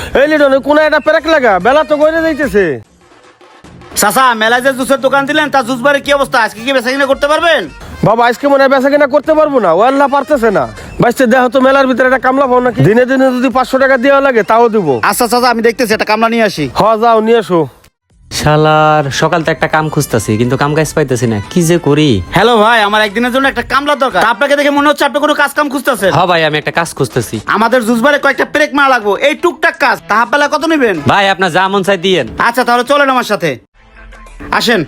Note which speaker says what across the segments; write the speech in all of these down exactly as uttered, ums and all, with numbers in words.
Speaker 1: এই লিটন কোন একটা পেরেক লাগা, বেলা তো গড়ে যাইতেছে।
Speaker 2: চাচা মেলায় যে জুসের দোকান দিলেন তার জুস বারের কি অবস্থা? আজকে কি বেচা কিনা করতে পারবেন?
Speaker 1: বাবা আজকে মনে হয় বেচা কিনা করতে পারবো না, ও আল্লাহ পারতেছে না। বাইসতে দেখো তো মেলার ভিতরে একটা কামলা পাও নাকি, দিনে দিনে যদি পাঁচশো টাকা দেওয়া লাগে তাও দিবো।
Speaker 2: আচ্ছা চাচা আমি দেখতেছি একটা কামলা নিয়ে আসি।
Speaker 1: হ যাও নিয়ে এসো।
Speaker 3: শালার সকাল তো একটা কাম খুঁজতাছি কিন্তু কাম কাজ পাইতেছি না, কি যে করি।
Speaker 2: হ্যালো ভাই, আমার একদিনের জন্য একটা কামলা দরকার। তা আপনাকে দেখে মনে হচ্ছে আপনি কোনো কাজ কাম খুঁজতেছেন।
Speaker 3: হ ভাই আমি একটা কাজ খুঁজতেছি।
Speaker 2: আমাদের জুস বারে কয়েকটা ব্রেক মারা লাগবো, এই টুকটাক কাজ। তা হাফ বেলা কত নেবেন?
Speaker 3: ভাই আপনার যা মন চাই দিয়েন।
Speaker 2: আচ্ছা তাহলে চলেন আমার সাথে, আসেন।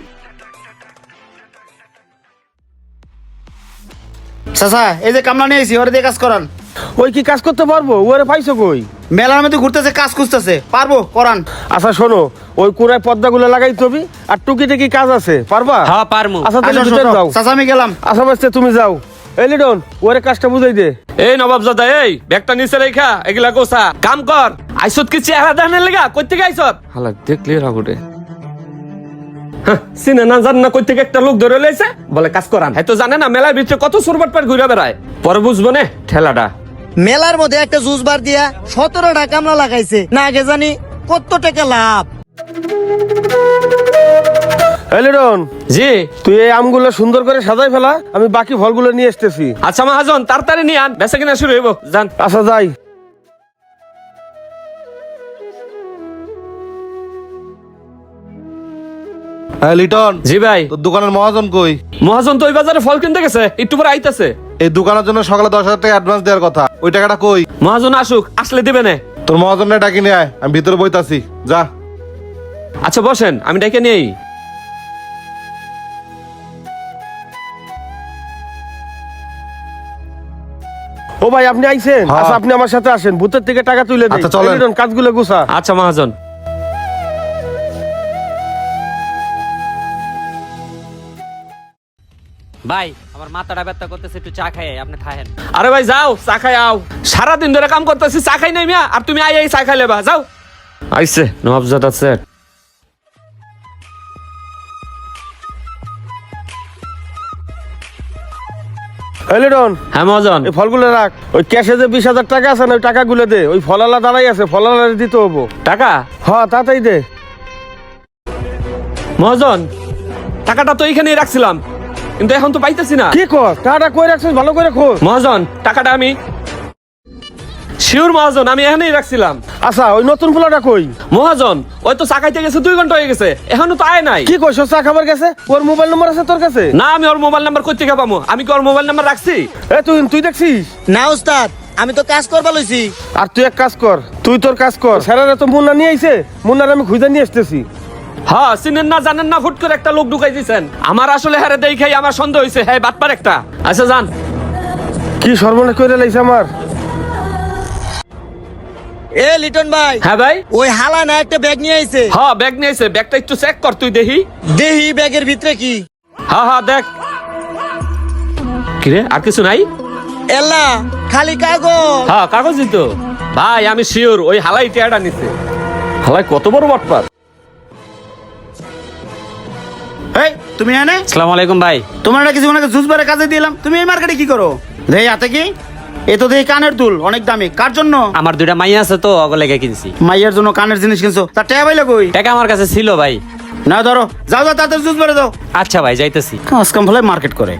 Speaker 2: চাচা এই যে কামলা নিয়ে এসেছি, ওরে দিয়ে কাজ করান।
Speaker 1: ওই কি কাজ করতে পারবো? ওরে পাইছো কই?
Speaker 2: মেলার মধ্যে ঘুরতেছে, কাজ খুঁজতেছে, পারবো করান।
Speaker 1: আচ্ছা শোনো, ওই কুড়ায় পর্দাগুলো লাগাই তবি আর টুকি কি কাজ আছে, পারবা?
Speaker 3: হ্যাঁ পারমু।
Speaker 1: আচ্ছা তাহলে
Speaker 2: আসেন,
Speaker 1: ভিতরে
Speaker 2: শোনো।
Speaker 1: যাও।
Speaker 2: চাচা আমি গেলাম।
Speaker 1: আচ্ছা বাস্তে তুমি যাও। এই লিটন ওরে কাজটা বুঝাই দে।
Speaker 4: এই নবাবজাদা, এই ব্যাগটা নিচে রেখা এগুলা গোছা কাম কর। আইসত কি চেহারা দেখানোর লেগা? কই থেকে আইসত? হালা দেখলি রাগুটে চিনে না জান না কই থেকে একটা লোক ধরে লইছে বলে কাজ করান। হয়তো জানে না মেলার ভিতরে কত সুরবাট পাট ঘুরে বেড়ায়, পরে বুঝবো না ঠেলাটা।
Speaker 5: মেলার মধ্যে একটা জুস বার দিয়া সতেরোটা কামলা লাগাইছে, না আগে জানি কত টাকা লাভ।
Speaker 1: এই লিটন
Speaker 4: জি
Speaker 1: তুই এই আমগুলো সুন্দর করে সাজাই ফেলা, আমি বাকি ফলগুলো নিয়ে আসতেছি।
Speaker 4: আচ্ছা মহাজন তাড়াতাড়ি নিয়ে আন, বেচা কিনা শুরু হইব। জান
Speaker 1: আচ্ছা যাই।
Speaker 6: হ্যাঁ লিটন,
Speaker 4: জি ভাই।
Speaker 6: তোর দোকানের মহাজন কই?
Speaker 4: মহাজন তো ওই বাজারে ফল কিনতে গেছে, একটু পরে আইতাছে।
Speaker 6: এই দোকানের জন্য সকালে দশ হাজার টাকা অ্যাডভান্স দেওয়ার কথা, ওই টাকাটা কই?
Speaker 4: মহাজন আসুক, আসলে দিবে না।
Speaker 6: তোর মহাজনের ডাকি নিয়ে আয়, আমি ভিতরে বইতাছি, যা।
Speaker 4: আচ্ছা বসেন, আমি ডেকে নেই।
Speaker 1: ও ভাই আপনি আইছেন?
Speaker 6: হ্যাঁ।
Speaker 1: আচ্ছা আপনি আমার সাথে আসেন, ভূতের থেকে টাকা তুলে দেই।
Speaker 6: আচ্ছা, চলেন।
Speaker 1: এই লিটন কাজগুলো গুছা।
Speaker 4: আচ্ছা মহাজন।
Speaker 3: ভাই আমার মাথাটা ব্যথা করতেছে, একটু চা খাই, আপনি খায়েন।
Speaker 4: আরে ভাই যাও চা খাই আও, সারাদিন ধরে কাম করতেছি, চা খাই নাই মিয়া, আর তুমি আই আই চা খাই লেবা, যাও। আইছে নবাবজাদা সেট।
Speaker 1: এই লিটন
Speaker 4: হ্যাঁ মহাজন।
Speaker 1: এই ফলগুলো রাখ, ওই ক্যাশে যে বিশ হাজার টাকা আছে না, ওই টাকাগুলো দে। ওই ফলালা দাঁড়াই আছে, ফলালা দিতে হবো।
Speaker 4: টাকা?
Speaker 1: হ্যাঁ তাড়াতাড়ি দে।
Speaker 4: মহাজন টাকাটা তো এইখানেই রাখছিলাম, কিন্তু এখন তো পাইতেছি না।
Speaker 1: কি কর? টাকাটা কই রাখছিস ভালো করে খোঁজ।
Speaker 4: মহাজন টাকাটা আমি শিওর মহাজন, আমি এখানেই রাখছিলাম।
Speaker 1: আচ্ছা ওই নতুন পোলাটা কই?
Speaker 4: মহাজন ওই তো চা খাইতে গেছে, দুই ঘন্টা হয়ে গেছে, এখনো তো আয় নাই।
Speaker 1: কি কইছ? চা খাবার গেছে? ওর মোবাইল নম্বর আছে তোর কাছে?
Speaker 4: না আমি ওর মোবাইল নাম্বার কই থেকে পাবো? আমি কি ওর মোবাইল নাম্বার রাখছি?
Speaker 1: এ তুই তুই দেখছিস?
Speaker 5: না উস্তাদ, আমি তো কাজ করবা লইছি।
Speaker 1: আর তুই এক কাজ কর, তুই তোর কাজ কর। স্যারেরা তো মুন্না নিয়ে আইছে, মুন্নার আমি খুঁজে নিয়ে আসতেছি।
Speaker 4: হ্যাঁ চিনেন না জানেন না, ফুট করে একটা লোক ঢুকাই দিয়েছেন। আমার আসলে হারে দেখাই আমার সন্দেহ হয়েছে, হ্যাঁ বাটপার একটা। আচ্ছা যান।
Speaker 1: কি সর্বনাশ করে লাইছে আমার।
Speaker 5: এ লিটন ভাই,
Speaker 4: হ্যাঁ ভাই।
Speaker 5: ওই হালা না একটা ব্যাগ নিয়ে আইছে।
Speaker 4: হ্যাঁ ব্যাগ নিয়েছে, ব্যাগটা একটু চেক কর তুই দেখি।
Speaker 5: দেহি ব্যাগের ভিতরে কি?
Speaker 4: হ্যাঁ হ্যাঁ দেখ। কিরে আর কিছু নাই?
Speaker 5: এলা খালি কাগজ।
Speaker 4: হ্যাঁ কাগজই তো। ভাই আমি শিওর ওই হালাই টিয়াটা নিছে। হালাই কত বড় বাটপার।
Speaker 2: এই তুমি এনে
Speaker 3: আসসালামু আলাইকুম ভাই।
Speaker 2: তোমার না কিছু ওনাকে জুস বারে কাজে দিলাম, তুমি এই মার্কেটে কি করো? রে হাতে কি? এ তো দেখি কানের দুল, অনেক দামি। কার জন্য?
Speaker 3: আমার দুইটা মাইয়া আছে তো, অগলেগে কিনছি।
Speaker 2: মাইয়ের জন্য কানের জিনিস কিনছো, তার টাকা পাইলে কই?
Speaker 3: টাকা আমার কাছে ছিল ভাই।
Speaker 2: না ধরো, যাও যাও তাড়াতাড়ি জুস বারে দাও।
Speaker 3: আচ্ছা ভাই যাইতেছি।
Speaker 2: কাজ কাম ফলে মার্কেট করে।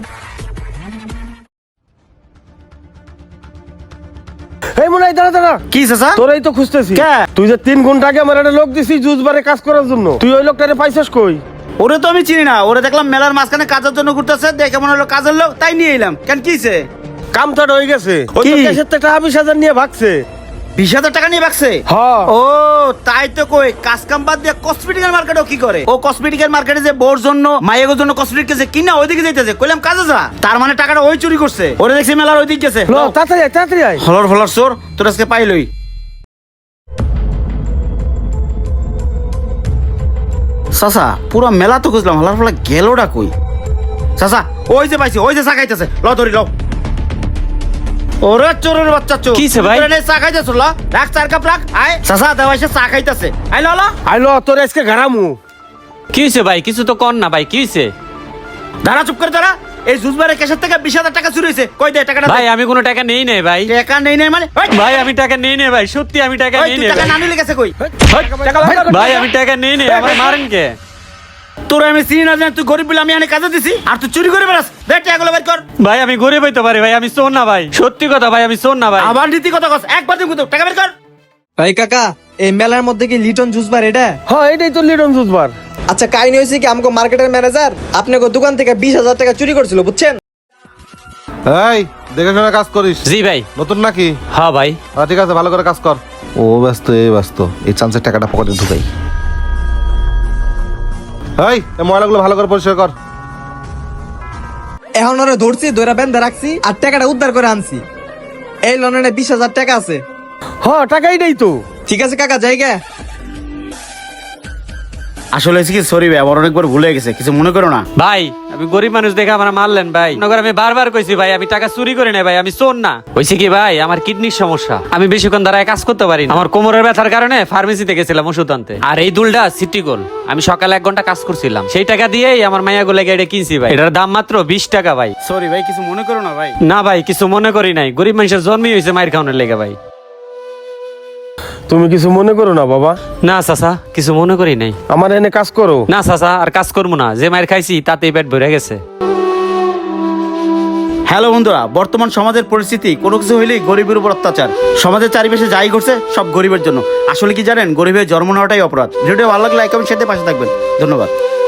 Speaker 1: এই মনে হয় দাঁড়া দাঁড়া।
Speaker 2: কি চাচা?
Speaker 1: তোরাই তো খুঁজতেছি।
Speaker 2: কে?
Speaker 1: তুই যে তিন ঘন্টা আগে আমার একটা লোক দিছিস জুস বারে কাজ করার জন্য, তুই ওই লোকটারে পাইছিস কই?
Speaker 2: ওরে তো আমি চিনি না, ওরে দেখলাম মেলার মাঝখানে কাজের জন্য ঘুরতেছে, দেখে মনে হলো কাজের লোক, তাই নিয়ে এলাম। কেন কিছে?
Speaker 1: কামটা হয়ে গেছে, ওই তো
Speaker 2: কি?
Speaker 1: ক্যাশের থেকে টাকা বিশ হাজার নিয়ে ভাগছে।
Speaker 2: বিশ হাজার টাকা নিয়ে বাকছে?
Speaker 1: হ্যাঁ।
Speaker 2: ও তাই তো কই, কাজ কাম বাদ দিয়ে কসমেটিকের মার্কেটও কি করে? ও কসমেটিকের মার্কেটে যে বোর জন্য মায়ের জন্য কসমেটিক কেছে কিনা ওইদিকে যাইতেছে, কইলাম কাজে যা। তার মানে টাকাটা ওই চুরি করছে। ওরে দেখছি মেলার ওইদিকে গেছে।
Speaker 1: লো, তাড়াতাড়ি আয়, তাড়াতাড়ি আয়।
Speaker 2: হলর হলর চোর, তোর আজকে পাইলই। চাচা পুরো মেলা তো খুঁজলাম, হলার ফলে গেলোটা কই? চাচা ওই যে পাইছি, ওই যে চা খাইতেছে, ল ধরি ল। ওরে চোরের বাচ্চা চোর,
Speaker 3: কিছে ভাই?
Speaker 2: তুই চা খাইতেছ? ল রাখ, চার কাপ রাখ। আয় চাচা দেওয়াইছে চা খাইতেছে। আই ল ল।
Speaker 1: আইলো তোর আজকে ঘাড়ামু।
Speaker 3: কি হয়েছে ভাই? কিছু তো কর না ভাই, কি হয়েছে?
Speaker 2: দাঁড়া, চুপ করে দাঁড়া। এই জুসবারের ক্যাশের থেকে বিশ হাজার টাকা চুরি হয়েছে, কই দে টাকাটা দে।
Speaker 3: ভাই আমি কোনো টাকা নেই নাই ভাই।
Speaker 2: টাকা নেই নাই মানে ওই,
Speaker 3: ভাই আমি টাকা নেই নাই ভাই, সত্যি আমি টাকা
Speaker 2: ওই,
Speaker 3: নেই
Speaker 2: তুই
Speaker 3: নাই
Speaker 2: টাকা
Speaker 3: ভাই।
Speaker 2: না নিলে গেছে কই?
Speaker 1: টাকা বের কর।
Speaker 3: ভাই আমি টাকা নেই নাই, আমার মারেন কে?
Speaker 2: তোর আমি চিনি না জানি, তুই গরিব বলে আমি এনে কাজে দিছি আর তুই চুরি করে বেড়াস। দে টাকাগুলো বের কর।
Speaker 3: ভাই আমি গরিব হইতে পারি ভাই, আমি শোন না ভাই, সত্যি কথা ভাই, আমি শোন না ভাই।
Speaker 2: আবার নীতি কথা কস, একবার দিন কিন্তু টাকা বের কর।
Speaker 7: ভাই কাকা, এই মেলার মধ্যে কি লিটন জুস বার এটা?
Speaker 1: হ্যাঁ এটাই তো লিটন জুস বার।
Speaker 7: আচ্ছা, কাহিনী হয়েছে কি, আমাকে মার্কেটের ম্যানেজার আপনাকে দোকান থেকে বিশ হাজার টাকা চুরি করছিল, বুঝছেন?
Speaker 6: এই দেখে শুনে কাজ করিস।
Speaker 3: জি ভাই।
Speaker 6: নতুন নাকি?
Speaker 3: হ্যাঁ ভাই।
Speaker 6: আচ্ছা, ঠিক আছে, ভালো করে কাজ কর। ও ব্যস্ত, এ ব্যস্ত, এই চান্সের টাকাটা পকেটে ঢুকাই। এই এই ময়লাগুলো ভালো করে পরিষ্কার কর।
Speaker 7: এখন ওরা ধরছি, দৈরা বেঁধে রাখছি আর টাকাটা উদ্ধার করে আনছি। এই লোনে বিশ হাজার টাকা আছে।
Speaker 1: হ্যাঁ টাকা এটাই তো।
Speaker 7: ঠিক আছে কাকা, জায়গা।
Speaker 2: আসলে হয়েছে কি, সরি ভাই, আমার অনেকবার ভুলে গেছে, কিছু মনে করো না।
Speaker 3: ভাই আমি গরিব মানুষ দেখে আমার মারলেন ভাই। মনে করেন আমি বারবার কইছি ভাই আমি টাকা চুরি করে নাই ভাই, আমি চোর না। হইছে কি ভাই, আমার কিডনির সমস্যা, আমি বেশিক্ষণ দাঁড়ায় কাজ করতে পারি না। আমার কোমরের ব্যথার কারণে ফার্মেসিতে গেছিলাম ওষুধ আনতে। আর এই দুলটা সিটি গোল, আমি সকালে এক ঘন্টা কাজ করছিলাম, সেই টাকা দিয়েই আমার মায়া গোলে এটা কিনছি ভাই। এটার দাম মাত্র বিশ টাকা ভাই।
Speaker 2: সরি ভাই, কিছু মনে করো না ভাই।
Speaker 3: না ভাই কিছু মনে করি নাই, গরিব মানুষের জন্মই হয়েছে মায়ের খাওয়ানোর লেগে ভাই।
Speaker 1: তুমি কিছু মনে করো না বাবা।
Speaker 3: না চাচা কিছু মনে করি নাই।
Speaker 1: আমার এনে কাজ করো।
Speaker 3: না চাচা আর কাজ করবো না, যে মায়ের খাইছি তাতেই পেট ভরে গেছে।
Speaker 2: হ্যালো বন্ধুরা, বর্তমান সমাজের পরিস্থিতি কোনো কিছু হইলেই গরিবের উপর অত্যাচার। সমাজের চারিপাশে যাই করছে সব গরিবের জন্য। আসলে কি জানেন, গরিবের জন্ম নেওয়াটাই অপরাধ। ভিডিওটা ভালো লাগলে লাইক কমেন্ট শেয়ার দিয়ে পাশে থাকবেন। ধন্যবাদ।